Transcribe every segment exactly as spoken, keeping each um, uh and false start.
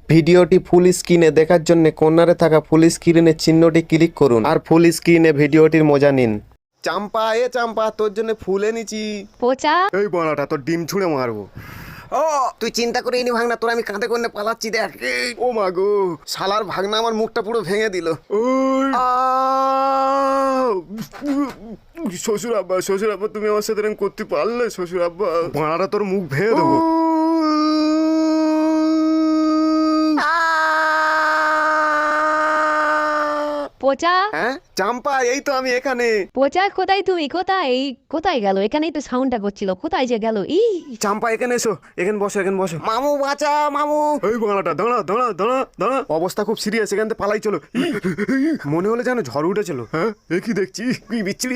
ভিডিওটি ফুল স্ক্রিনে দেখার জন্য কর্নারে থাকা ফুল স্ক্রিনের চিহ্নটি ক্লিক করুন আর ফুল স্ক্রিনে ভিডিওটির মজা নিন। চাম্পা এ চাম্পা তোর জন্য ফুল এনেছি। পচা এই বড়াটা তোর ডিম ছুঁড়ে মারবো। ও তুই চিন্তা করে ইনি ভাগনা, তোর আমি কাঁধে করে পালাচ্ছি দেখ। ও মা গো, শালার ভাগনা আমার মুখটা পুরো ভেঙে দিল। শ্বশুর আব্বা, শ্বশুর আব্বা তুমি আমার সাথে এরকম করতে পারলে? শ্বশুর আব্বা বাড়াটা তোর মুখ ভেঙে দেবো। পচা হ্যাঁ চাম্পা, এই তো আমি এখানে। পচা কোথায় তুমি? কোথায় এই কোথায় গেল? এখানেই তো সাউন্ডটা করছিল, কোথায় যে গেল? ই চাম্পা এখানে এসো, এখানে বসো, এখানে বসো। মামু বাঁচা মামু। এই বাংলাটা দাঁড়া দাঁড়া দাঁড়া দাঁড়া, অবস্থা খুব সিরিয়াস, এখান থেকে পালাই চলো। মনে হলে যেন ঝড় উঠেছিল। হ্যাঁ এ কি দেখছি, কি বিচ্ছিরি।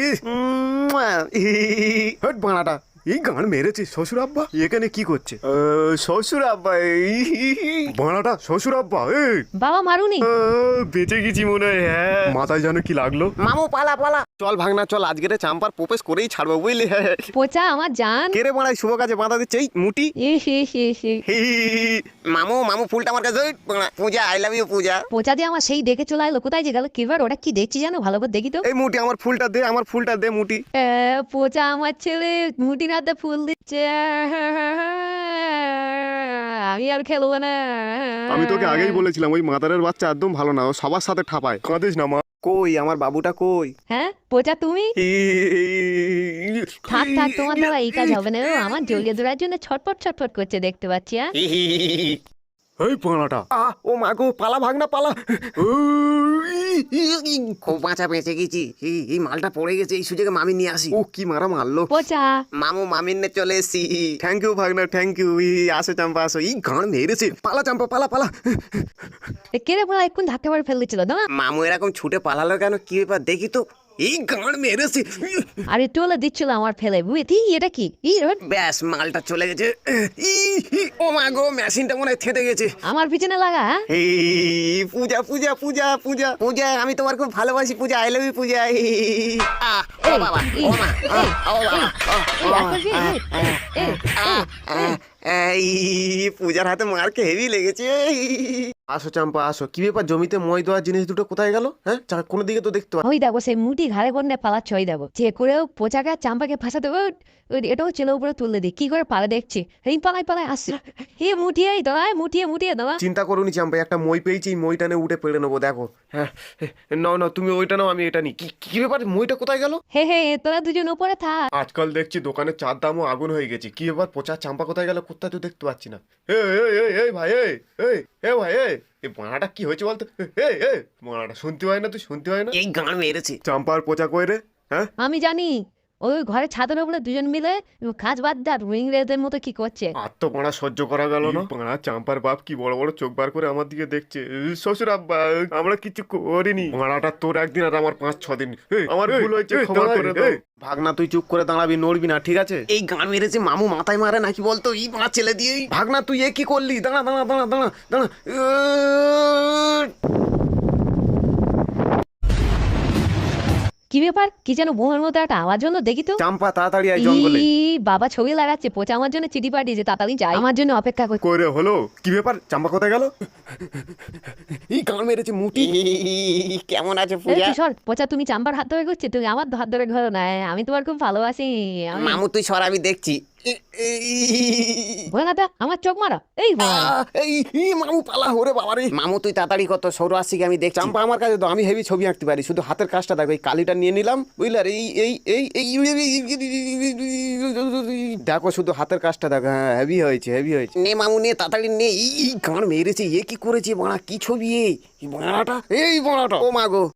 হট বাংলাটা, এই গান মেরেছে শ্বশুর আব্বা এখানে কি করছে? আহ, শ্বশুর আব্বা এই বাংলাটা, শ্বশুর আব্বা এই বাবা মারুনি। আহ, বেঁচে গেছি মনে হয়। হ্যাঁ মাথায় যেন কি লাগলো। মামু পালা পালা। চল ভাগনা চল, আজকে চাম্পার প্রপোজ করেই ছাড়বো বুঝলি। পচা আমার জান। কেড়ে বাড়াই শুভ কাজে বাধা দিচ্ছে এই মুটি। ইস ইস ইস ইস। মামু মামু ফুলটা আমার কাছে। Puja I love you Puja. পচা দিয়ে আমার সেই দেখে চলে এলো, কোথায় যে গেল? কিবার ওটা কি দেখছি জানো? ভালো করে দেখি তো। এই মুটি আমার ফুলটা দে, আমার ফুলটা দে মুটি। এ, পচা আমার ছেলে মুটির হাতে ফুল দিচ্ছে। আমি আর খেলবো না। আমি তোকে আগেই বলেছিলাম ওই মাদারের বাচ্চা একদম ভালো না, ও সবার সাথে ঠাপায়। কাঁদিস না মা। কই আমার বাবুটা কই? হ্যাঁ পচা তুমি? থাক থাক, তোমার দ্বারা এই কাজ হবে না। ও আমার জড়িয়ে ধরার জন্য ছটপট ছটপট করছে, দেখতে পাচ্ছি। হ্যাঁ এই পানাটা, ও মা গো, পালা ভাগনা পালা। খুব বাঁচা বেঁচে গেছি। এই- এই মালটা পড়ে গেছে, এই সুযোগে মামি নিয়ে আসি। ও কি মারা মারলো। পচা মামু মামির নে চলে এসছি। থ্যাংক ইউ ভাগনা, থ্যাংক ইউ। আসো চাম্পা আসো, এই গান মেরেছে। পালা চাম্পা পালা পালা। কেড়ে পড়া এক্ষুন ধাক্কা মারে ফেলে দিচ্ছিল না। মামু এরকম ছুটে পালালো কেন? কি ব্যাপার দেখি তো। এই গান মেরেছে। আরে টোলে দিচ্ছিল আমার ফেলে, বুঝি এটা কি? ই রোড ব্যাস মালটা চলে গেছে। ই, ই, ও মা গো, মেশিনটা মনে হয় থেতে গেছে। আমার পিছনে লাগা। হ্যাঁ? এই পূজা পূজা পূজা পূজা পূজা, আমি তোমার খুব ভালোবাসি পূজা, আই লাভ ইউ পূজা। আ ও বাবা ও মা আ, ও বাবা ও, ও, এই পূজার হাতে মারকে হেভি লেগেছে। আসো চাম্পা আসো। কি ব্যাপার, জমিতে মই দেওয়ার জিনিস দুটো কোথায় গেল? হ্যাঁ চা- কোনো দিকে তো দেখতে পাচ্ছি। ওই দেখো সেই মুটি ঘাড়ে করে পালাচ্ছে, ওই দেখো যে করেও পোচাকে আর চাম্পাকে ফাঁসাতে হবে। ওই এটাও ছেলে উপরে তুললে দিই, কি করে পালা দেখছি। এই পালাই পালাই আসছে। হে মুঠিয়ে দাঁড়ায়, মুঠিয়ে মুঠিয়ে দাঁড়া। চিন্তা করুনি চাম্পা, একটা মই পেয়েছি, এই মইটা নিয়ে উঠে পেড়ে নেবো। দেখো হ্যাঁ, নাও নাও তুমি ওইটা নাও, আমি এটা নিই। কি কি ব্যাপার, মইটা কোথায় গেল? হে হে তোরা দুজন উপরে থাক। আজকাল দেখছি দোকানের চার দামও আগুন হয়ে গেছে। কি ব্যাপার, পচা চাম্পা কোথায় গেল? কোথায় তো দেখতে পাচ্ছি না। এই এই এই এই ভাই, এই এই এ ভাই, এই এই বাড়াটা কি হয়েছে বলতো? এই এই বাড়াটা শুনতে হয় না, তুই শুনতে হয় না? এই গান মেরেছে। চাম্পার পচা কই রে? হ্যাঁ আমি জানি ওই ঘরে ছাদের উপরে দুজন মিলে কাজ বাদ দার ইংরেজদের মতো কি করছে। আর তো পাড়া সহ্য করা গেল না। পাড়া চাম্পার বাপ কি বড় বড় চোখ বার করে আমার দিকে দেখছে। শ্বশুর আব্বা আমরা কিছু করিনি। মারাটা তোর একদিন আর আমার পাঁচ ছ দিন। এই, আমার ভুল হয়েছে, ক্ষমা করে দাও। ভাগনা তুই চুপ করে দাঁড়াবি, নড়বি না, ঠিক আছে? এই গান মেরেছে। মামু মাথায় মারে নাকি বলতো? এই মার ছেলে দিয়ে। ভাগনা তুই এ কি করলি? দাঁড়া দাঁড়া দাঁড়া দাঁড়া দাঁড়া। কি ব্যাপার, কি যেন বোমের মতো একটা আওয়াজ হলো, দেখি তো। চাম্পা তাড়াতাড়ি আয় জঙ্গলে। ই, বাবা ছবি লাগাচ্ছে। পোচা আমার জন্য চিঠি পাঠিয়েছে, তাড়াতাড়ি যাই, আমার জন্য অপেক্ষা করছে। কই রে হলো? কি ব্যাপার, চাম্পা কোথায় গেল? এই গান মেরেছে মুটি। এই, কেমন আছে এই পূজা? তুই সর, পচা তুমি চাম্বার হাত ধরে করছে, তুমি আমার হাত ধরে ঘর না। আমি তোমার খুব ভালোবাসি। আমি মামু তুই সর, আমি দেখছি। এ- এই- ভোলানাথা, আমার চোখ মারা। এই ভোলানাথ। আহ, এই এই, মামু পালা ওরে বাবা রে। মামু তুই তাড়াতাড়ি কত সৌর আসছি, আমি দেখছি। চাম্পা আমার কাছে তো, আমি হেভি ছবি আঁকতে পারি, শুধু হাতের কাজটা দেখো। এই কালিটা নিয়ে নিলাম বুঝলে। আর এই এই এই এই দেখো, শুধু হাতের কাজটা দেখো। হ্যাঁ হেভি হয়েছে, হেভি হয়েছে। নে মামু নে, তাড়াতাড়ি নে। এই এই গান মেরেছে। এ কি করেছে বাড়া? কি ছবি? এই বাড়াটা, এই বাড়াটা, ও মা গো।